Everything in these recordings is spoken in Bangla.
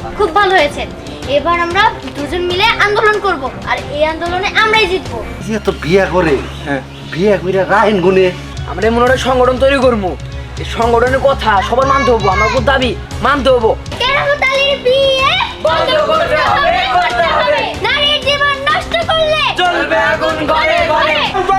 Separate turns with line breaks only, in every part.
খুব ভালো হয়েছে। এবার আমরা দুজন মিলে আন্দোলন করব, আর এই আন্দোলনে আমরাই জিতবো।
যে তো বিয়া করে, বিয়া কইরা রাহেন গুনে
আমরা এমন একটা সংগঠন তৈরি করবো, এই সংগঠনের কথা সবার মানতে হবো, আমার খুব দাবি মানতে হবো।
কেরামতালির বিয়ে বন্ধ করতে হবে, করতে হবে। নারীর জীবন নষ্ট করলে
চলবে আগুন ঘরে ঘরে।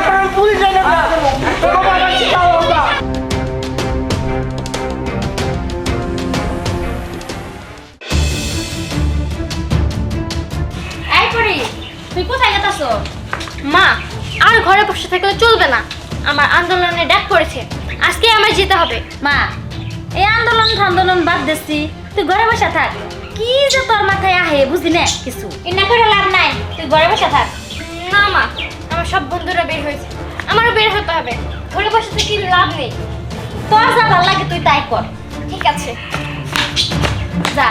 এই পরি, তুই কোথায় যাচ্ছ? মা, আর ঘরে বসে থাকলে চলবে না। আমার আন্দোলনে ডাক পড়েছে, আজকে আমার যেতে হবে।
মা, এই আন্দোলন বাদ দিচ্ছি, তুই ঘরে বসে থাক। কি যে তোর মাথায় আহে বুঝি না কিছু।
এনা করে লাভ নাই, তুই ঘরে বসে থাক। না মা, আমার সব বন্ধুরা বের হয়েছে, আমারও বের হতে হবে। ঘরে বসে থেকে লাভ নেই।
তোর যা ভালো লাগে তুই তাই কর।
ঠিক আছে,
যা।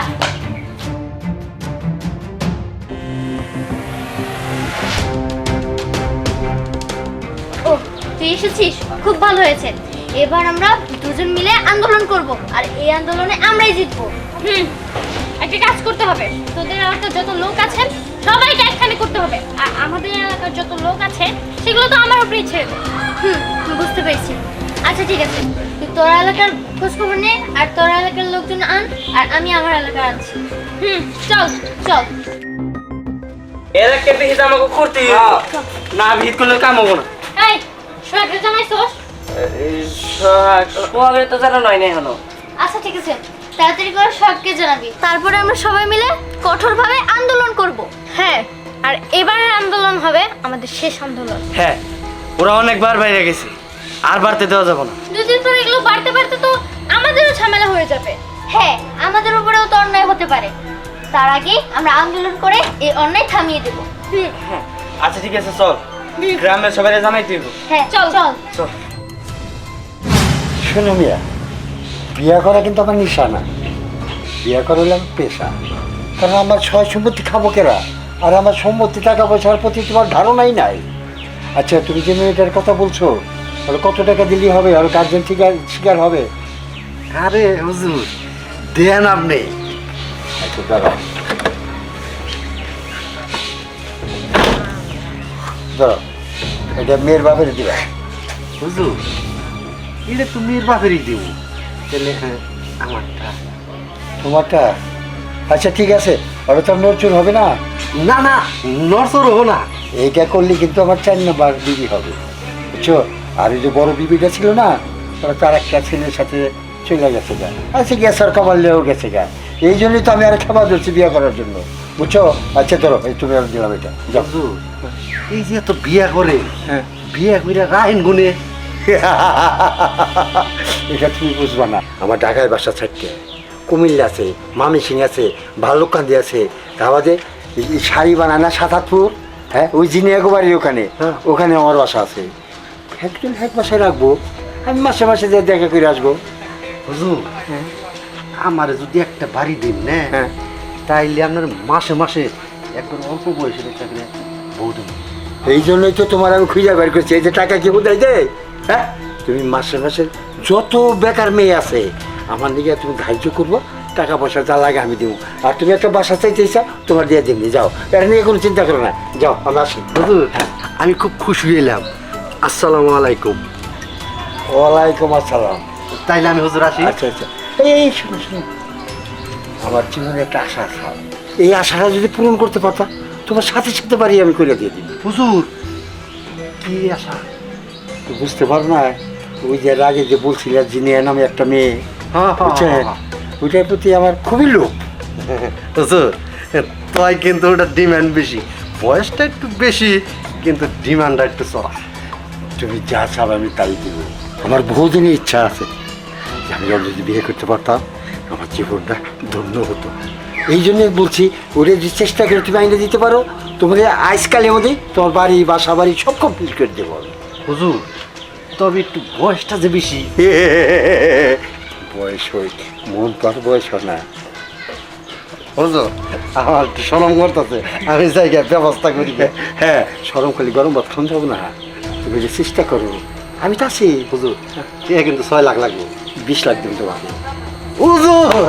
ও তুই এসেছিস, খুব ভালো হয়েছে। এবার আমরা দুজন মিলে আন্দোলন করব, আর এই আন্দোলনে আমরাই জিতবো। একটা কাজ করতে হবে, তোদের এলাকার যত লোক আছে সবাইকে একখানে করতে হবে, আর আমাদের এলাকার যত লোক আছে সেগুলো তো আমার উপরেই ছেড়ে দে। বুঝতে পেরেছি। আচ্ছা ঠিক আছে, তুই তোর এলাকার খোঁজ খবর নে, আর তোর এলাকার লোকজন আন, আর আমি আমার এলাকার আনছি। চল চল।
এলাকার বিহিত আমাকে করতে না, বিহিত করলে কাম হবো না।
এই সোহাগের জানাইছোস?
সোহাগের তো জানা নয় না এখনো।
আচ্ছা ঠিক আছে, তাড়াতাড়ি করে সবকে জানাবি, তারপরে আমরা সবাই মিলে কঠোরভাবে আন্দোলন করব। হ্যাঁ, আর এবারের আন্দোলন হবে আমাদের শেষ আন্দোলন।
হ্যাঁ, ওরা অনেকবার বাইরে গেছে, আর বাড়তে দেওয়া যাবে না।
দুদিন পর এগুলো বাড়তে বাড়তে তো আমাদেরও ঝামেলা হয়ে যাবে। হ্যাঁ, আমাদের উপরেও তো অন্যায় হতে পারে। তার আগে আমরা আন্দোলন করে এই অন্যায় থামিয়ে দেব।
আচ্ছা ঠিক আছে, চল গ্রামের সবাই জানাই দিব।
হ্যাঁ চল চল।
চল।
শোনো মিয়া, বিয়া করা কিন্তু আমার নিশা না, বিয়া করা হলে আমার পেশা। কারণ আমার সয় সম্পত্তি খাবো কেরা, আর আমার সম্পত্তি টাকা পয়সার প্রতি তোমার ধারণাই নাই। আচ্ছা, তুমি যে মেয়েটার কথা বলছো, ওরা কত টাকা দিলেই হবে, আর গার্জেন থেকে শিকার হবে?
আরে হুজুর, দেন আপনি।
আচ্ছা দাঁড়াও দাঁড়াও, এটা মেয়ের বাপের দিবা।
হুজুর, এটা তো মেয়ের বাপেরই দেব, তাহলে হ্যাঁ আমারটা।
তোমারটা? আচ্ছা ঠিক আছে, ওরা তো নড়চুর হবে না।
না না, নরসর হবো না।
এইটা করলে কিন্তু আমার 4 নম্বর বিবি হবে, বুঝছো? আর এই যে বড় বিবিটা ছিল না, ওরা তার একটা ছেলের সাথে চলে গেছে গা। আচ্ছা গ্যাসের কমালেও গেছে গা। এই জন্যই তো আমি আর খাবার ধরছি বিয়ে করার জন্য, বুঝছো? আচ্ছা ধরো, এই তুমি আর দিলাম এটা, যাও।
হুজুর, এই যে তো বিয়া করে,
হ্যাঁ
বিয়া কইরা রাহেন গুনে
এটা তুমি বুঝবা না। আমার ঢাকায় বাসা ছাড়তে, কুমিল্লা আছে, মামিসিং আছে, ভাল্লুককান্দি আছে, তারপরে শাড়ি বানায় না সাতাতপুর, হ্যাঁ ওই জিনিয়াগো বাড়ি ওখানে, ওখানে আমার বাসা আছে। একদিন এক বাসায় রাখবো, আমি মাসে মাসে যে দেখা করে আসবো।
হুজুর, আমারে যদি একটা বাড়ি দিন না,
হ্যাঁ
তাইলে আপনার মাসে মাসে একবার অল্প বয়সের একটা করে বউ দেব।
এই জন্যই তো তোমার আমি খুঁজে বের করছি, এই যে টাকা কি কোথায় দেয়? হ্যাঁ, তুমি মাসে মাসে যত বেকার মেয়ে আছে আমার দিকে তুমি ধার্য করবো, টাকা পয়সা যা লাগে আমি দেবো। আর তুমি একটা বাসা চাইতে চাও, তোমার দিয়ে দিবনি, যাও, এটা নিয়ে কোনো চিন্তা করো না, যাও আমরা আসি।
হুজুর, আমি খুব খুশি হইলাম। আসসালামু আলাইকুম।
ওয়ালাইকুম আসসালাম।
তাইলে আমি হুজুর আসি।
আচ্ছা আচ্ছা, এই শোনো শোনো, আমার জীবনে একটা আশা আছে, এই আশাটা যদি পূরণ করতে পারতাম, তোমার সাথে সাথে বাড়ি আমি করে দিয়ে দিই।
হুজুর, কি আশা?
তো বুঝতে পারো না, ওই যে আগে যে বলছিলাম জিনিয়া নামে একটা মেয়ে, বুঝছেন? ওইটার প্রতি আমার খুবই লোভ।
হুজুর, তাই কিন্তু ওটা ডিমান্ড বেশি, বয়সটা একটু বেশি, কিন্তু ডিমান্ডটা একটু চড়া।
তুমি যা চাও আমি তাই দিব। আমার বহুদিনের ইচ্ছা আছে যে আমি ওর যদি বিয়ে করতে পারতাম, আমার জীবনটা ধন্য হতো। এই জন্য বলছি, ওরে যে চেষ্টা করে তুমি আইনে দিতে পারো, তোমাদের আজকালের মধ্যে তোমার বাড়ি বাসা বাড়ি সব কমপ্লিট করে দেবো আমি।
হুজুর, তবে একটু বয়সটা যে বেশি।
বয়স হই, মন তো আর বয়স হয় না।
হুজুর, আমার একটু সরম করতেছে, আমি জায়গায় ব্যবস্থা করি।
হ্যাঁ, সরম খালি গরম ভাত খান যাবো না, তুমি যে চেষ্টা করো, আমি তো আছি।
হুজুর, ঠিক কিন্তু 6 লাখ লাগবে।
20 লাখ দিন তোমাকে।
হুজুর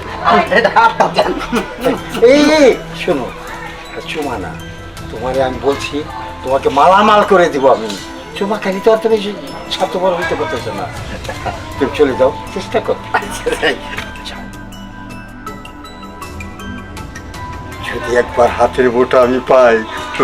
এই শোনো, চুমা না, তোমারে আমি বলছি, তোমাকে মালামাল করে দিব আমি। চুমা খালি তো আর তুমি স্বার্থপর হইতে পারতেছো না। তুমি চলে যাও, চেষ্টা করো। যদি একবার হাতের বোটা আমি পাই,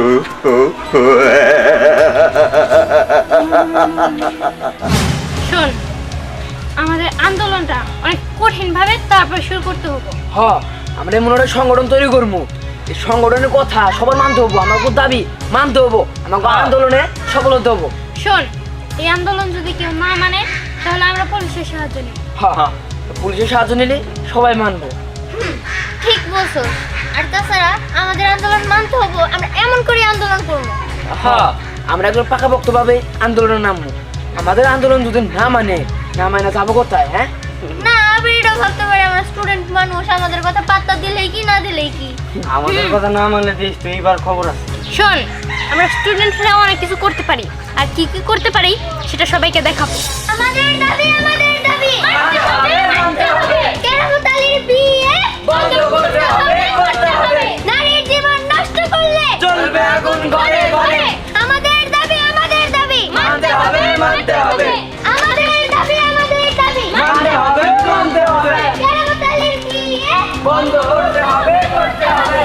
শোন, আমাদের আন্দোলনটা অনেক কঠিন ভাবে তারপর শুরু করতে হবে।
হ, আমরা এমন একটা সংগঠন তৈরি করবো, এই সংগঠনের কথা সবার মানতে হবো, আমার দাবি মানতে হবো, আমাকে আন্দোলনে সফল হতে হবো।
শোন, এই আন্দোলন যদি কেউ না মানে তাহলে আমরা পুলিশের সাহায্য নিব।
হ্যাঁ, পুলিশের সাহায্য নিলে সবাই মানবো।
ঠিক বলছো। আর তাছাড়া আমাদের আন্দোলন মানতে হবে, আমরা এমন করে আন্দোলন করবো।
হ্যাঁ, আমরা একদম পাকাপোক্তভাবে আন্দোলনে নামবো। আমাদের আন্দোলন যদি না মানে যাবো কোথায়? হ্যাঁ
না, আমি এটা ভাবতে পারি আমরা স্টুডেন্ট মানুষ, আমাদের কথা পাত্তা দিলেই কি না দিলেই কি।
আমাদের কথা না মানলে তুই এবার খবর আছে।
শোন, আমরা স্টুডেন্টরা অনেক কিছু করতে পারি, আর কি কি করতে পারি সেটা সবাইকে দেখাবো। আমাদের দাবি, আমাদের দাবি মানতে হবে, মানতে হবে। কেরামতালির বিয়ে বন্ধ করতে হবে, করতে হবে। নারীর জীবন নষ্ট করলে
চলবে আগুন ঘরে ঘরে।
আমাদের দাবি, আমাদের দাবি
মানতে হবে, মানতে হবে।
আমাদের দাবি, আমাদের দাবি
মানতে হবে, মানতে হবে।
কেরামতালির বিয়ে
বন্ধ করতে হবে, করতে হবে।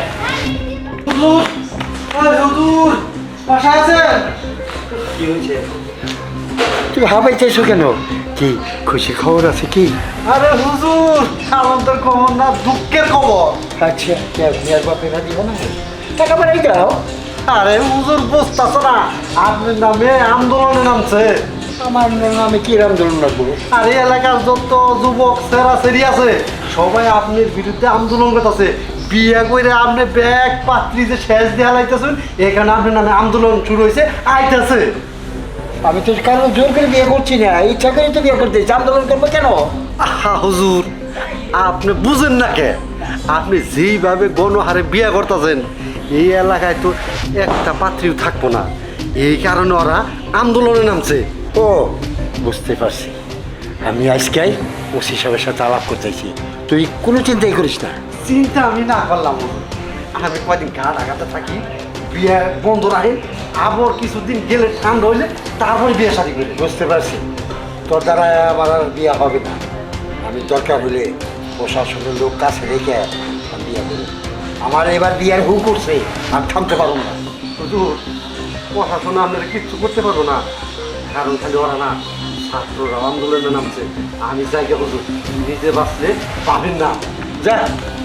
হুজুর বাসায় আছেন?
কি হয়েছে? তুমি হাবাইতেছো কেন? কি খুশি খবর আছে কি?
আরে হুজুর, আনন্দের খবর না, দুঃখের খবর।
আচ্ছা, মেয়ের বাপেরা দিব না, টাকা পাঠাই দাও।
আরে হুজুর বুঝতেছ না, আপনার নামে আন্দোলনে নামছে।
আমার নামে কি আন্দোলন রাখবো?
আর এই এলাকার যত যুবক সেরা সেরি আছে সবাই আপনার বিরুদ্ধে আন্দোলন করতেছে। বিয়ে করে আপনি ব্যাগ পাত্রী যে শেষ দেওয়া লাইতেছেন, এখানে আপনার নামে আন্দোলন শুরু হয়েছে, আইতেছে।
আমি তো কারণ জোর করে বিয়ে করছি না, ইচ্ছা করে তো বিয়ে করতে আন্দোলন করবো কেন?
আহা হুজুর, আপনি বুঝেন না কে? আপনি যেইভাবে গণহারে বিয়ে করতেছেন, এই এলাকায় তো একটা পাত্রীও থাকবো না। এই কারণে ওরা আন্দোলনে নামছে।
ও বুঝতে পারছি, আমি আজকে ওসি সাহেবের সাথে আলাপ করতেছি, তুই কোনো চিন্তাই করিস না।
চিন্তা আমি না করলাম হুজুর। আমি কয়দিন গা ঢাকাতে থাকি, বিয়ে বন্ধ রাখেন, আবার কিছুদিন গেলে ঠান্ডা হইলে তারপরে বিয়ে শাদী করি।
বুঝতে পারছি, তোর দ্বারা আমার আর বিয়ে হবে না। আমি দরকার হলে প্রশাসনের লোক কাছে রেখে আমি বিয়ে করি। আমার এবার বিয়ের হু করছে, আর থামতে পারবো না।
হুজুর, প্রশাসন আপনারা কিচ্ছু করতে পারবো না, কারণ খালি ওরা না, ছাত্ররা আন্দোলনে নামছে। আমি জায়গা হুজুর, নিজে বাঁচলে পাবেন না। যা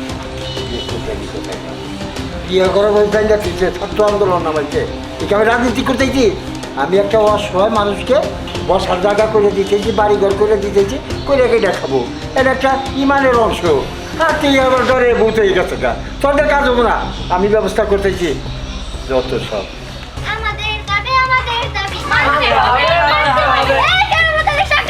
বিয়ে করার বলতে যাচ্ছে ছাত্র আন্দোলন নামাইছে, একে আমি রাজনীতি করতেছি। আমি একটা অসহায় মানুষকে বসার জায়গা করে দিতেছি, বাড়িঘর করে দিতেছি, করে কেটে খাবো, এটা একটা ইমানের অংশ। আর তুই আমার ডরে বলতে গেছে গা, তোদের কাজ হবো না, আমি ব্যবস্থা করতেছি যত সব।
আমাদের দাবি, আমাদের দাবি মানতে হবে, মানতে হবে। এই কেরামতালির সাথে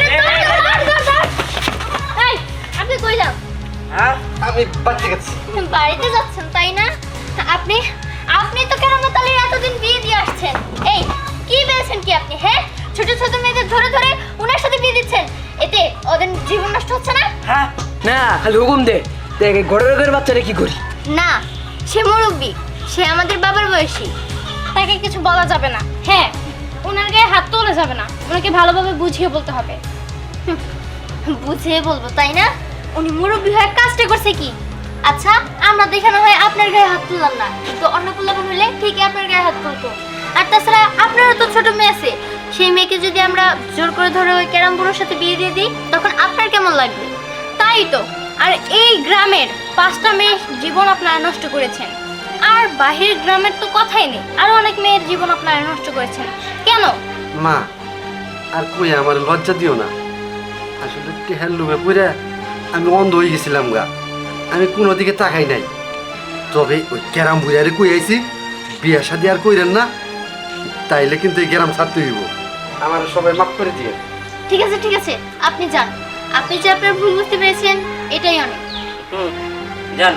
এই, আপনি কই যান?
হ্যাঁ,
আমি বাচ্চা গেছি।
বাড়িতে যাচ্ছেন তাই না? আপনি আপনি তো কেরামতালির এতদিন বিয়ে দিয়ে আসছেন। এই কি পেয়েছেন কি আপনি? হ্যাঁ, ছোট ছোট মেয়েদের ধরে ধরে উনার সাথে বিয়ে দিচ্ছেন, এতে ওদের জীবন নষ্ট হচ্ছে না?
হ্যাঁ, না খালি হুকুম দে, দেখ ঘরের ঘরের বাচ্চারা কি করি।
না, সে মুরব্বী, সে আমাদের বাবার বয়সী, তাকে কিছু বলা যাবে না। হ্যাঁ, ওনার গায়ে হাত তোলা যাবে না, ওনাকে ভালোভাবে বুঝিয়ে বলতে হবে। বুঝিয়ে বলবো তাই না? উনি মুরব্বী হয়ে কাজটা করছে কি? আচ্ছা, আমরা দেখানো হয় আপনার গায়ে হাত তুললাম না, কিন্তু অন্য পোলাপান হলে ঠিকই আপনার গায়ে হাত তুলতো। আর তাছাড়া আপনারও তো ছোট মেয়ে আছে, সেই মেয়েকে যদি আমরা জোর করে ধরে ওই ক্যারাম বুড়োর সাথে বিয়ে দিয়ে দিই, তখন আপনার কেমন লাগবে? তাই তো। আর এই গ্রামের 5টা মেয়ের জীবন আপনারা নষ্ট করেছেন, আর বাহির গ্রামের তো কথাই নেই, আরো অনেক মেয়ের জীবন আপনারা নষ্ট করেছেন। কেন?
মা, আর কই আমার লজ্জা দিও না। আসলে টেহার লোভে পড়ে আমি অন্ধ হয়ে গেছিলাম গা, আমি কোনো দিকে তাকাই নাই। তবে ওই ক্যারাম বুড়ারে কই আইছি, বিয়ে শাদি আর কইরেন না, তাইলে কিন্তু এই গ্রাম ছাড়তে হইব। আমার সবাই মাফ করে দিয়ে।
ঠিক আছে, ঠিক আছে, আপনি যান। আপনি যে আপনার ভুল বুঝতে পেরেছেন, এটাই অনেক।
জান,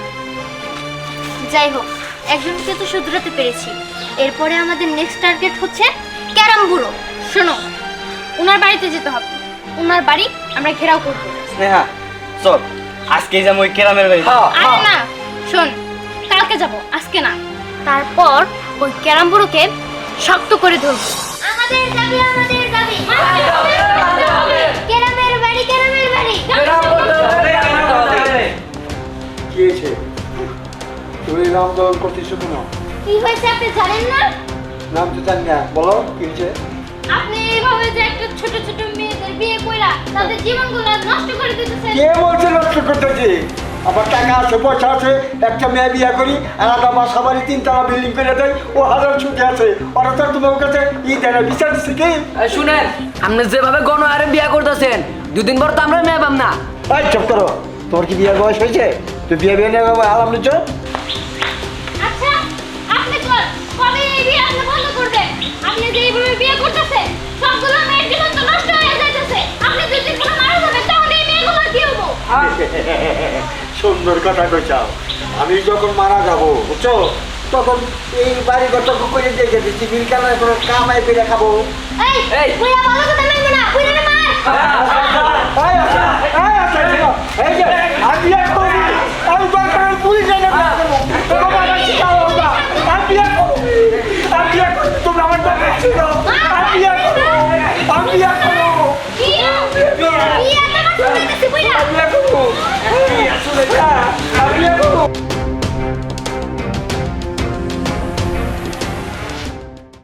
যাই হোক, একজনকে তো শুধরাতে পেরেছি। এরপরে আমাদের নেক্সট টার্গেট হচ্ছে ক্যারাম বুড়ো। শোনো, ওনার বাড়িতে যেতে হবে, ওনার বাড়ি আমরা ঘেরাও করব।
স্নেহা
চল আজকেই যাবো ওই কেরামের বাড়ি
আরে না শোন, কালকে যাব, আজকে না। তারপর ওই ক্যারাম বুড়োকে শক্ত করে ধরবো। আমাদের দাবি, আমাদের দাবি, ক্যারামের বাড়ি, ক্যারামের বাড়ি।
কি হয়েছে তুমি নাম দল করতেছো কেন?
কি হয়েছে আপনি জানেন না?
নাম তো জানি না, বলো কি হয়েছে?
আপনি এইভাবে যে একটা ছোট ছোট মেয়েদের বিয়ে কইরা তাদের জীবনগুলো নষ্ট করে দিতেছেন।
কে বলছে নষ্ট করতেছি? আমার টাকা আছে, পয়সা আছে, একটা মেয়ে বিয়ে করি, আলাদা বাসা বাড়ি 3 তলা বিল্ডিং করে দেয়, ও হাজার ছুটি আছে, ওরা তো তোমার কাছে দেয় না, বিচার দিচ্ছে কি?
শুনেন, আপনি যেভাবে গণহারে বিয়া করতেছেন 2 দিন পর তো আমরা মেয়ে পাম না।
এই চুপ করো, তোমার কি বিয়ের বয়স হয়েছে? তুই বিয়ে নিয়ে আলাম নিচ্ছ?
আচ্ছা আপনি কবে এই বিয়ে আপনি বন্ধ করবেন? আপনি যে এইভাবে বিয়ে করতেছেন সবগুলো মেয়ের জীবন তো নষ্ট হয়ে যাইতেছে। আপনি যদি কোনো মারা যাবেন তাহলে এই মেয়েগুলো কি হবো?
সুন্দর কথা কইছাও। আমি যখন মারা যাব বুঝছো, তখন এই বাড়ি ঘর করে দিয়ে গেছি, চিবির কামাই করে কামাই করে খাবো।
এই বুইয়া ভালো কথা মানবে না, বুইয়া মার।
তোমরা আমার